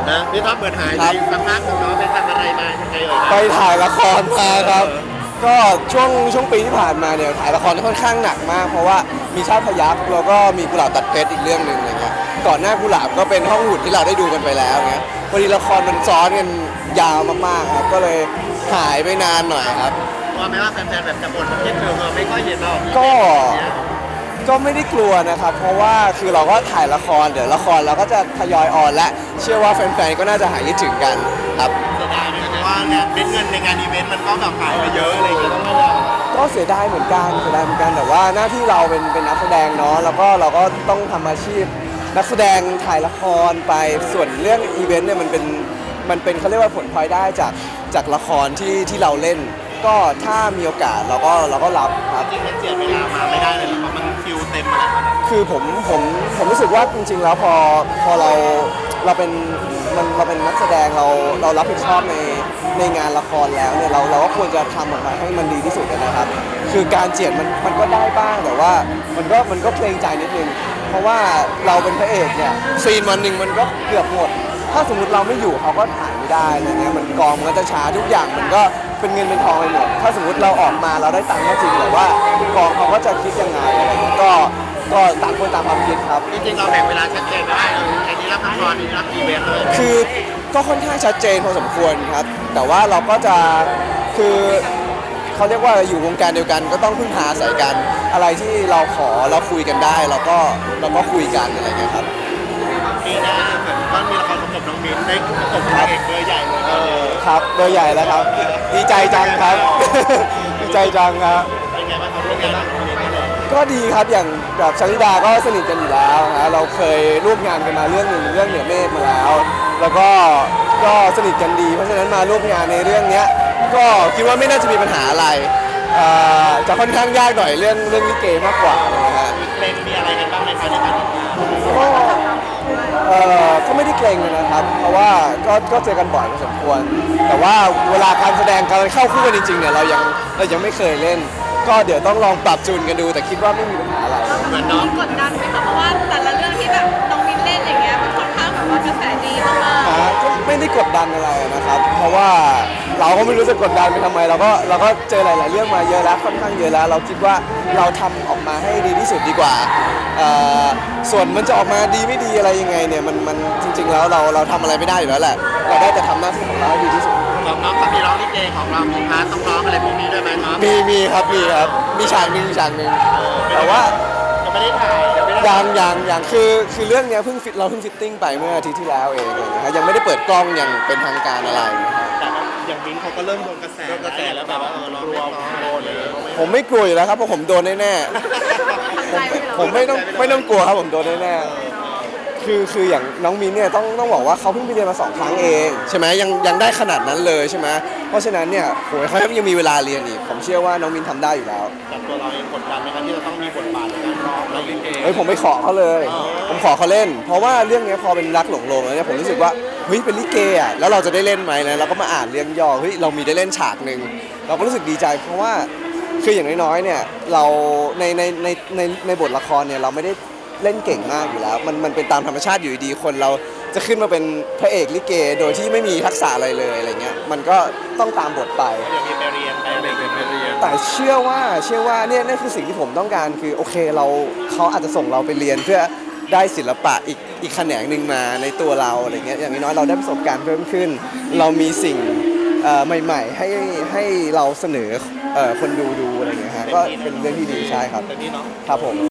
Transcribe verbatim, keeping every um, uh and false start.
นะพี่ท็อปเปิดหายไปสักพักหนึ่งเนาะไปทำอะไรมายังไงเอ่ยไปถ่ายละครมาครับก็ช่วงช่วงปีที่ผ่านมาเนี่ยถ่ายละครค่อนข้างหนักมากเพราะว่ามีชาติพยัคฆ์แล้วก็มีกุหลาบตัดเพชรอีกเรื่องหนึ่งอะไรเงี้ยก่อนหน้ากุหลาบก็เป็นห้องหุ่นที่เราได้ดูกันไปแล้วเงี้ยพอดีละครมันซ้อนกันยาวมากๆครับก็เลยหายไปนานหน่อยครับกลัวไหมว่าแฟนๆแบบจะบ่นว่าคิดถึงเราไม่ค่อยเห็นเราก็ก็ไม่ได้กลัวนะครับเพราะว่าคือเราก็ถ่ายละครเดี๋ยวละครเราก็จะทยอยออนและเชื่อว่าแฟนๆก็น่าจะหายคิดถึงกันครับเสียดายไหมว่าเนี่ยเป็นเงินในงานอีเวนต์มันก็แบบหายไปเยอะอะไรอย่างเงี้ยต้องไม่ได้ก็เสียดายเหมือนกันเสียดายเหมือนกันแต่ว่าหน้าที่เราเป็นเป็นนักแสดงเนาะแล้วก็เราก็ต้องทำอาชีพนักแสดงถ่ายละครไปส่วนเรื่องอีเวนต์เนี่ยมันเป็นมันเป็นเขาเรียกว่าผลพลอยได้จากจากละครที่ที่เราเล่นก็ถ้ามีโอกาสเราก็เราก็รับครับจริงมันเจียดเวลามาไม่ได้เลยเพราะมันคิวเต็มอะไรครับคือผมผมผมรู้สึกว่าจริงๆแล้วพอพอเราเราเป็นมันเราเป็นนักแสดงเราเรารับผิดชอบในในงานละครแล้วเนี่ยเราเราก็ควรจะทำออกมาให้มันดีที่สุดนะครับคือการเจียดมันมันก็ได้บ้างแต่ว่ามันก็มันก็เกรงใจนิดนึงเพราะว่าเราเป็นพระเอกเนี่ยซีนวันหนึ่งมันก็เกือบหมดถ้าสมมติเราไม่อยู่เขาก็ถ่ายไม่ได้อะไรเงี้ยมันกองมันก็จะช้าทุกอย่างมันก็เป็นเงินเป็นทองไปหมดถ้าสมมติเราออกมาเราได้ตังค์ก็จริงแต่ว่ากองเขาก็จะคิดยังไงอะไรเงี้ยก็ก็ต่างคนต่างความคิดครับจริงๆเราแบ่งเวลาชัดเจนได้เออไอ้นี้รับละครนี้รับอีเวนต์เลยคือก็ค่อนข้างชัดเจนพอสมควรครับแต่ว่าเราก็จะคือเขาเรียกว่าอยู่วงการเดียวกันก็ต้องพึ่งพาอาศัยกันอะไรที่เราขอเราคุยกันได้เราก็เราก็คุยกันอะไรเงี้ยครับปีหน้าเหมือนก็มีละครประกบน้องมิ้นได้ประกบนางเอกเบอร์ใหญ่เลยเออครับเบอร์ใหญ่แล้วครับดีใจจังครับดีใจจังครับเป็นไงบ้างครับร่วมงานกับน้องมิ้นเลยก็ดีครับอย่างกับชลิดาก็สนิทกันอยู่แล้วนะเราเคยร่วมงานกันมาเรื่องหนึ่งเรื่องเหนือเมฆมาแล้วแล้วก็ก็สนิทกันดีเพราะฉะนั้นมาร่วมงานในเรื่องนี้ก็คิดว่าไม่น่าจะมีปัญหาอะไรจะค่อนข้างยากหน่อยเรื่องเรื่องลิเกมากกว่านะฮะมีเพลงมีอะไรกันบ้างในการในการทำงานก็เออก็ไม่ได้เกรงนะครับเพราะว่าก็ก็เจอกันบ่อยพอสมควรแต่ว่าเวลาการแสดงการเข้าคู่กันจริงๆเนี่ยเรายังเรายังไม่เคยเล่นก็เดี๋ยวต้องลองปรับจูนกันดูแต่คิดว่าไม่มีปัญหาอะไรเหมือนน้องกดดันไหมคะเพราะว่าแต่ละเรื่องที่แบบน้องมินเล่นอย่างเงี้ยมันค่อนข้างแบบว่ากระแสดีมากๆก็ไม่ได้กดดันอะไรนะครับเพราะว่าเราก็ไม่รู้จะกดดันไปทำไมเราก็เราก็เจอหลายๆเรื่องมาเยอะแล้วค่อนข้างเยอะแล้วเราคิดว่าเราทำออกมาให้ดีที่สุดดีกว่าส่วนมันจะออกมาดีไม่ดีอะไรยังไงเนี่ยมันมันจริงๆแล้วเราเราทำอะไรไม่ได้อยู่แล้วแหละเราได้แต่ทำหน้าที่ของเราให้ดีที่สุดของน้องก็มีร้องลิเกของเรามีพาร์ทต้องร้องอะไรพวกนี้ด้วยไหมครับมีมีครับมีครับมีฉากหนึ่งฉากหนึ่งแต่ว่ายังไม่ได้ถ่ายยังยังยังคือคือเรื่องนี้เพิ่งฟิตเราเพิ่งฟิตติ้งไปเมื่ออาทิตย์ที่แล้วเองนะยังไม่ได้เปิดกล้องอย่างเป็นทางการอะไรนะครับแต่อย่างมิ้นเขาก็เริ่มโดนกระแสโดนกระแสแล้วแบบว่าเออร้องไม่ร้องโดนเลยผมไม่กลัวอยู่แล้วครับเพราะผมโดนแน่ๆผมไม่ต้องไม่ต้องกลัวครับผมโดนแน่ๆคือคืออย่างน้องมิ้นเนี่ยต้องต้องบอกว่าเขาเพิ่งไปเรียนมาสองครั้งเองใช่ไหมยังยังได้ขนาดนั้นเลยใช่ไหมเพราะฉะนั้นเนี่ยโหยเขายังมีเวลาเรียนอีกผมเชื่อว่าน้องมิ้นทำได้อยู่แล้วแต่ตัวเราเองกดดันไหมครับที่จะต้องมีบทบาทในการร้องลิเกเฮ้ยผมไม่ขอเขาเลยผมขอเขาเล่นเพราะว่าเรื่องนี้พอเป็นรักหลงโลงแล้วเนี่ยผมรู้สึกว่าเฮ้ยเป็นลิเกอ่ะแล้วเราจะได้เล่นไหมนะเราก็มาอ่านเรื่องย่อเฮ้ยเรามีได้เล่นฉากหนึ่งเราก็รู้สึกดีใจเพราะว่าคืออย่างน้อยๆเนี่ยเราในในในในในบทละครเนี่ยเราไม่ได้เล่นเก่งมากอยู่แล้วมันมันเป็นตามธรรมชาติอยู่ดีคนเราจะขึ้นมาเป็นพระเอกลิเกโดยที่ไม่มีทักษะอะไรเลยอะไรเงี้ยมันก็ต้องตามบทไปอย่างมีไปเรียนไปเด็กไปเรียนแต่เชื่อว่าเชื่อว่าเนี่ยนี่คือสิ่งที่ผมต้องการคือโอเคเราเขาอาจจะส่งเราไปเรียนเพื่อได้ศิลปะอีกอีกแขนงหนึ่งมาในตัวเราอะไรเงี้ยอย่างน้อยเราได้ประสบการณ์เพิ่มขึ้นเรามีสิ่งใหม่ๆให้ให้เราเสนอคนดูดูอะไรเงี้ยฮะก็เป็นเรื่องที่ดีใช่ครับครับผม